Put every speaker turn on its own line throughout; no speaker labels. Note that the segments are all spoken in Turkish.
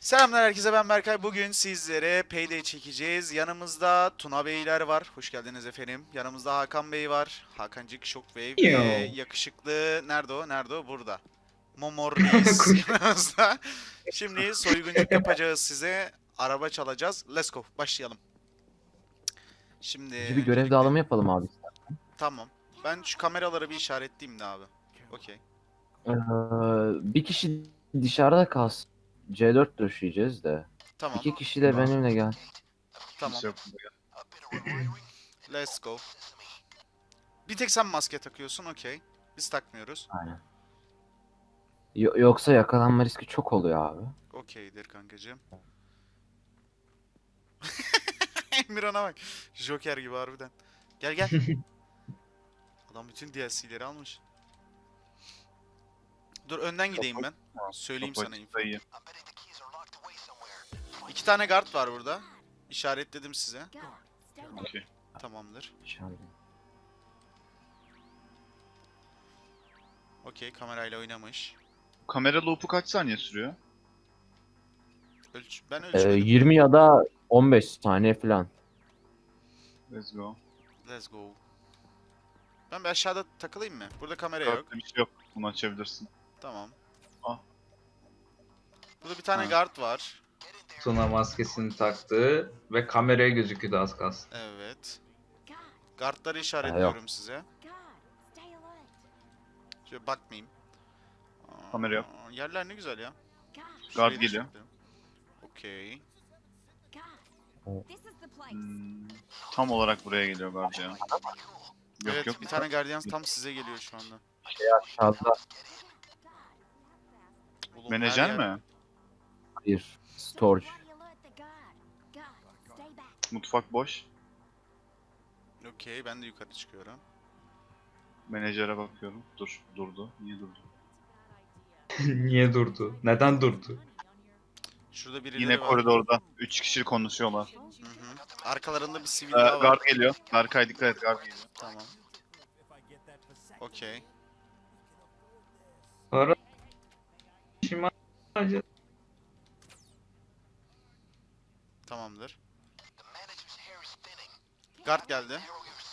Selamlar herkese, ben Berkay. Bugün sizlere Payday çekeceğiz. Yanımızda Tuna Beyler var. Hoş geldiniz efendim. Yanımızda Hakan Bey var. Hakancık Shockwave ve
Yo.
yakışıklı... Nerede o? Nerede o? Burada. Momor Reis
Kuş.
yanımızda. Şimdi soyguncuk yapacağız size. Araba çalacağız. Let's go. Başlayalım. Şimdi
Bir görev
öncelikle...
dağılımı yapalım abi.
Tamam. Ben şu kameraları bir işaretleyeyim de abi. Okey.
Ee, Bir kişi dışarıda kalsın. C4 döşeyeceğiz de.
Tamam.
İki kişi de benimle gel.
Tamam.
Kimse yok.
Let's go. Bir tek sen maske takıyorsun. Okey. Biz takmıyoruz.
Aynen. Yoksa yakalanma riski çok oluyor abi.
Okeydir kankacığım. Emirhan'a bak. Joker gibi harbiden. Gel gel. Adam bütün DLC'leri almış. Dur önden gideyim ben. Söyleyeyim sana info.
Dayı.
2 tane guard var burada. İşaretledim size.
Okey.
Tamamdır.
İnşallah.
Okey, kamerayla oynamış.
Kamera loop'u kaç saniye sürüyor?
Ben ölçmedim.
20 ya da 15 saniye falan.
Let's go.
Let's go. Ben bir aşağıda takılayım mı? Burada kamera yok.
Kartta bir şey yok. Bunu açabilirsin.
Tamam.
Ah.
Burada bir tane
Ha.
guard var.
Tuna maskesini taktı ve kameraya gözüküyordu az kalsın.
Evet. Guardları işaretliyorum size. Şöyle bakmayayım.
Kamera yok.
Yerler ne güzel ya.
Guard
Şurayı da
geliyor.
işaretledim. Okey.
Tam olarak buraya geliyor guard ya. Yok
Evet,
yok.
bir tane Guardians tam size geliyor şu anda.
Aşağıda
Oğlum,
Menajer
her yer-
mi?
bir storage.
Mutfak boş.
Okey, ben de yukarı çıkıyorum.
Menajere bakıyorum. Dur. Durdu. Niye durdu?
Niye durdu? Neden durdu?
Şurada birileri
Yine
var.
koridorda. 3 kişi konuşuyorlar.
Hı hı. Arkalarında bir sivil daha var.
Guard geliyor. Berkay dikkat et. Guard geliyor.
Tamam. Okey.
Para şimdi
Tamamdır. Guard geldi.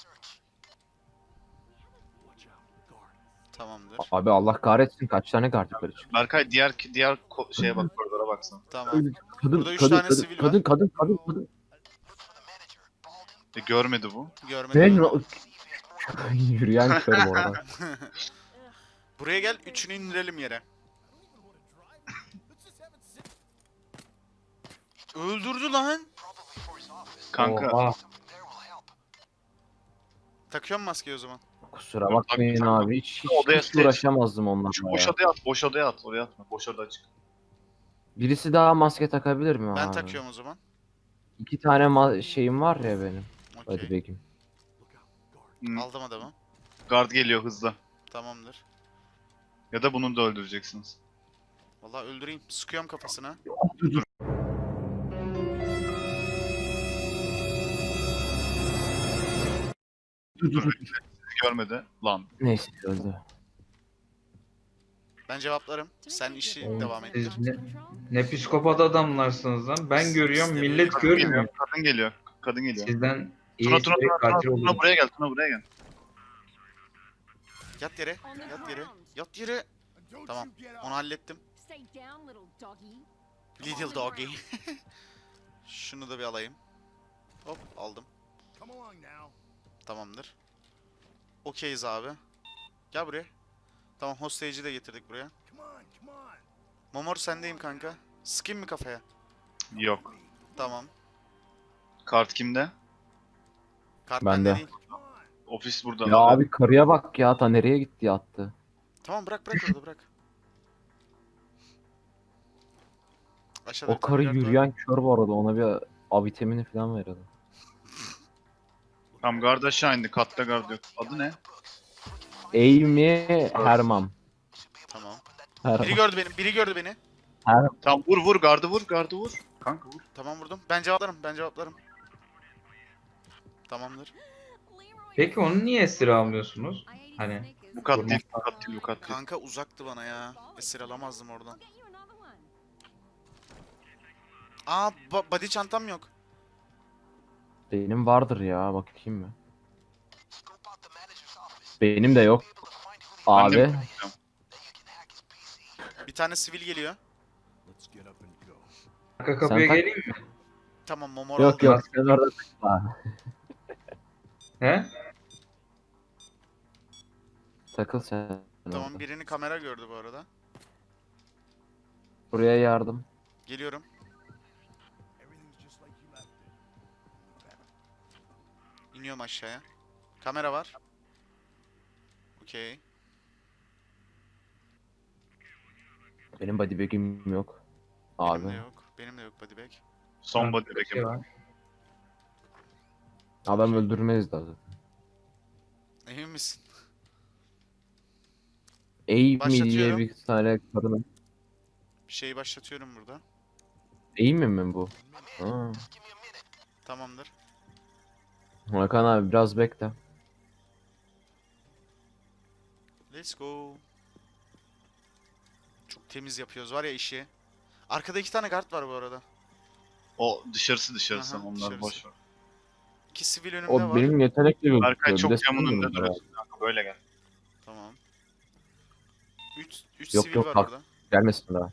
Tamamdır.
Abi Allah kahretsin kaç tane guard yukarı çıktı.
Berkay diğer şeye bak, koridora baksana.
Tamam.
Kadın,
Burada üç
kadın,
tane
kadın,
sivil
kadın,
var.
kadın.
Görmedi bu.
Görmedim.
Ben yürüyen körüm orada.
Buraya gel, üçünü indirelim yere. Öldürdü lan.
Kanka.
Oha.
Takıyorum maskeyi o zaman.
Kusura bakmayın abi
Odaya
hiç uğraşamazdım onlarla
Şu
ya.
boş odaya at. Boş odaya at. Oraya atma. Boş oda açık.
Birisi daha maske takabilir mi
Ben
abi?
takıyorum o zaman.
2 tane şeyim var ya benim. Hadi
Okey.
bakayım.
Aldım adamı.
Guard geliyor hızlı.
Tamamdır.
Ya da bunu da öldüreceksiniz.
Vallahi öldüreyim. Sıkıyorum kafasına.
Sizi görmedi. Lan.
Neyse öldü.
Ben cevaplarım. Sen işi devam et.
Siz ne psikopat adamlarsınız lan. Ben görüyorum
Siz de
millet
Kadın geliyor.
görmüyor.
Kadın geliyor. Kadın geliyor.
Sizden
Tuna
iyi
Tuna
seri
Tuna
katil
Tuna, Tuna
olur.
buraya gel. Tuna buraya gel.
Yat yere. Yat yere. Yat yere. Tamam. Onu hallettim. Little doggy. Şunu da bir alayım. Hop aldım. Tamamdır. Okeyiz abi. Gel buraya. Tamam, hostage'i de getirdik buraya. Momor sendeyim kanka. Sıkayım mı kafaya?
Yok.
Tamam.
Kart kimde?
Kart
Bende.
bende değil.
Ofis burada.
Ya abi karıya bak ya ta nereye gitti yattı.
Tamam, bırak orada bırak. Aşağıda
O
bir tane
karı
guard var.
yürüyen kör bu arada ona bir A vitamini falan verelim.
Tam guard aşağı indi. Katta guard yok. Adı ne?
Amy Herman.
Tamam.
Herman.
Biri gördü beni.
Tam vur gardı vur. Gardı vur. Kanka vur.
Tamam, vurdum. Ben cevaplarım. Tamamdır.
Peki onu niye esir almıyorsunuz? Hani
Bu kat değil. Bu kat değil. Bu kat değil.
Kanka uzaktı bana ya. Esir alamazdım oradan. Aa body çantam yok.
Benim vardır ya, bakayım mı? Benim de yok.
Ben de
Abi.
bakacağım.
Bir tane sivil geliyor.
Arka kapıya
tak-
geleyim mi?
Tamam Momor
Yok
aldı.
yok, sen orada takma.
He?
Takıl sen.
Tamam
orada.
birini kamera gördü bu arada.
Buraya yardım.
Geliyorum. İniyorum aşağıya. Kamera var. Okey.
Benim body bag'im yok. Abi.
Benim de yok. Benim de yok body bag.
Son body
Bir şey
bag'im.
var.
Adam öldürmeyiz daha.
Emin misin?
Amy mi diye
Başlatıyorum.
bir tane kadın.
Bir şeyi başlatıyorum burada.
Amy mi bu? Ha.
Tamamdır.
Hakan abi biraz bekle.
Let's go. Çok temiz yapıyoruz var ya işi. Arkada 2 tane guard var bu arada.
O dışarısı
Aha,
onlar
dışarısı.
boş ver.
2 sivil önümde
O
var.
benim yetenekle gözüküyor.
Berkay
Bir de
çok camın
sen
önünde
mi?
duruyorsun kanka, böyle gel.
Tamam. 3
Yok,
sivil
yok,
var
bak.
orada.
Gelmesin daha.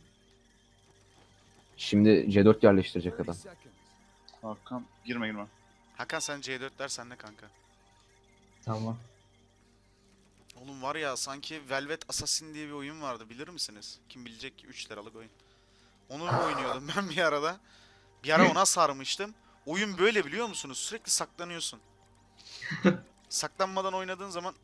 Şimdi C4 yerleştirecek adam.
Hakan girme.
Hakan sen C4'ler sende kanka.
Tamam.
Oğlum var ya sanki Velvet Assassin diye bir oyun vardı bilir misiniz? Kim bilecek ki 3 liralık oyun. Onu oynuyordum ben bir arada. Bir ara ona sarmıştım. Oyun böyle biliyor musunuz? Sürekli saklanıyorsun. Saklanmadan oynadığın zaman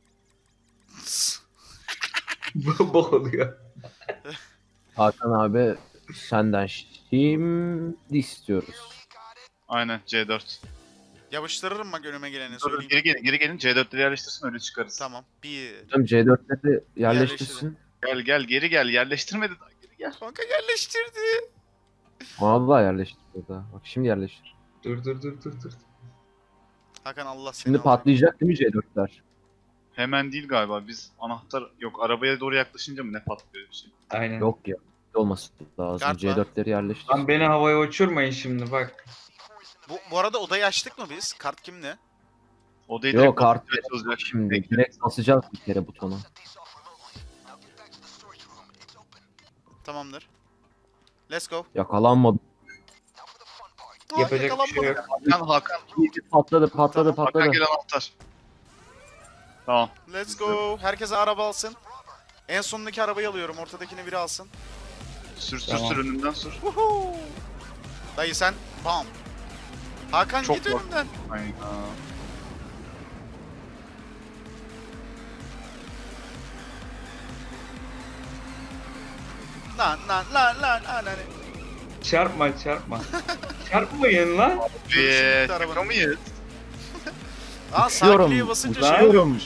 Bok oluyor.
Hakan abi senden şimdi istiyoruz.
Aynen C4.
yapıştırırım bak önüme geleni
Dur,
söyleyeyim.
geri gelin C4'leri yerleştirsin öyle çıkarız.
Tamam. 1.
Hocam C4'leri yerleştirsin.
Gel geri gel yerleştirmedi daha geri gel.
Kanka yerleştirdi.
Vallahi yerleştir daha. Bak şimdi yerleştir.
Dur.
Hakan Allah seni
Şimdi
alacak.
patlayacak değil mi C4'ler?
Hemen değil galiba biz anahtar yok arabaya doğru yaklaşınca mı ne patlıyor bir şey.
Aynen.
Yok ya. Olması lazım.
Kart var.
C4'leri yerleştir.
Lan beni havaya uçurmayın şimdi bak.
Bu arada odayı açtık mı biz? Kart kimde?
Odayı
Yok
direkt
kart
basınca açılacak.
şimdi.
Bekle.
Direkt basacağız bir kere butonu.
Tamamdır. Let's go.
Yakalanmadı.
Aa,
Yapacak bir şey yok.
Hakan
Patladı
Hakan gel anahtar. Tamam.
Let's go. Herkese araba alsın. En sondaki arabayı alıyorum. Ortadakini biri alsın.
Sür
Tamam.
önünden sür.
Woohoo. Dayı sen bam. Hakan
Çok
git
bak-
önümden.
Aynen.
Lan.
Çarpma. Çarpmayın lan.
Görüşürüz arabanın.
Şaka mıyız?
Aa
Uçuyorum,
sakliye basınca
uçuyorum.
şey oluyormuş.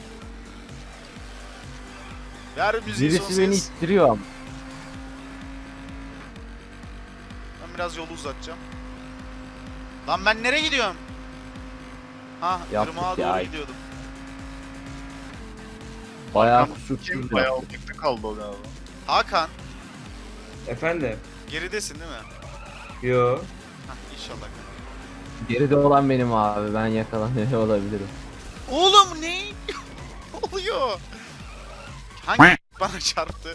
Ver müziği son
Birisi beni
ses.
ittiriyor ama.
Ben biraz yolu uzatacağım. Lan ben nereye gidiyorum? Ha,
Yaptık
Irmak'a
ya.
doğru gidiyordum.
Bayağı
Kim
kusursuz
bayağı
ya.
uzakta kaldı o galiba.
Hakan,
Efendim?
geridesin değil mi?
Yo.
Hah, inşallah.
Geride olan benim abi. Ben yakalanıyor olabilirim.
Oğlum ne? Ne oluyor? Hangi bana çarptı?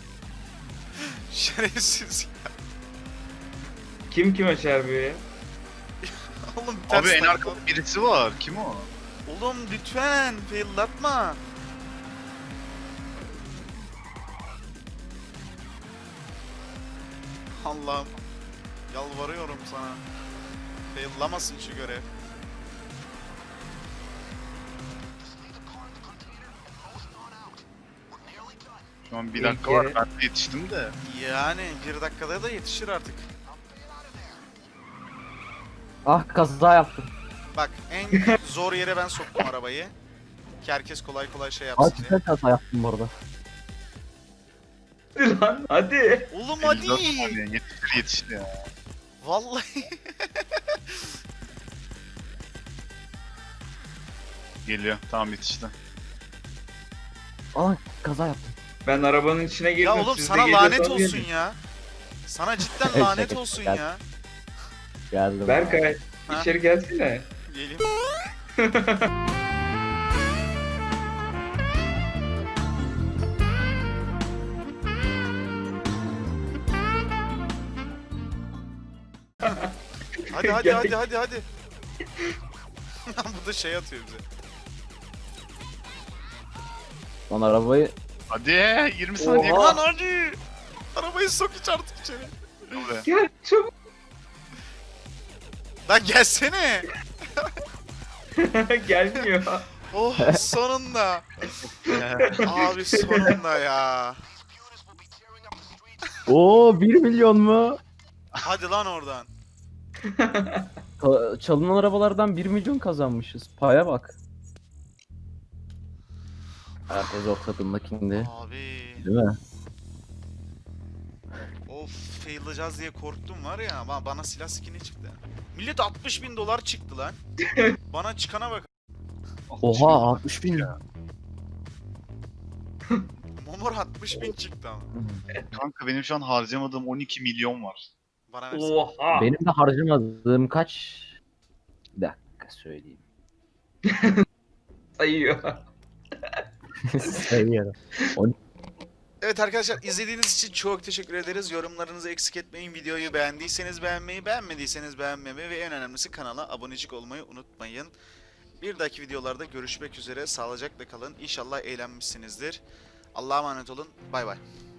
Şerefsiz ya.
Kim kime çarpıyor ya?
Oğlum ters
Abi en
takla.
arkada birisi var. Kim o?
Oğlum lütfen faillatma. Allah'ım. Yalvarıyorum sana. Faillamasın şu görev.
Şu an bir
İlk
dakika var.
yere-
Ben de yetiştim de.
Yani 1 dakikada da yetişir artık.
Ah, kaza yaptım.
Bak en zor yere ben soktum arabayı. Ki herkes kolay kolay şey yapsın diye.
Gerçekten kaza yaptım orada.
Hadi lan hadi.
Oğlum
54
hadi.
saniye. Yetişti ya.
Vallahi.
Geliyor. Tamam yetişti.
Ah, kaza yaptım.
Ben arabanın içine girdim.
Ya oğlum
siz de
sana lanet
geliyorsanız
olsun
gelin.
ya. Sana cidden
Şaka
lanet
şaka.
olsun
Gel.
ya.
Geldim.
Berkay
Ha?
içeri gelsene.
Geleyim. Hadi
Gel.
hadi. Bu da şey atıyor bize.
Lan arabayı
Hadi 20 saniye.
Oha.
Lan hadi. Arabayı sok hiç artık içeri.
Buraya.
Gel çabuk.
Lan gelsene.
Gelmiyor.
Oh sonunda. Abi sonunda ya.
Oo 1 milyon mu?
Hadi lan oradan.
Çalınan arabalardan 1 milyon kazanmışız. Paya bak. Herkes ortadındakinde.
Abi.
Değil mi?
Of fail'layacağız diye korktum var ya. Bana silah skin'i çıktı. Millet 60.000 dolar çıktı lan. Bana çıkana bak.
Oha 60 bin.
Momor 60.000 çıktı ama.
Kanka benim şu an harcamadığım 12 milyon var.
Bana versene.
Oha.
Benim de harcamadığım kaç? Bir dakika söyleyeyim.
Sayıyor.
Sayıyorum.
Evet arkadaşlar izlediğiniz için çok teşekkür ederiz. Yorumlarınızı eksik etmeyin. Videoyu beğendiyseniz beğenmeyi, beğenmediyseniz beğenmemeyi ve en önemlisi kanala abonecik olmayı unutmayın. Bir dahaki videolarda görüşmek üzere. Sağlıcakla kalın. İnşallah eğlenmişsinizdir. Allah'a emanet olun. Bay bay.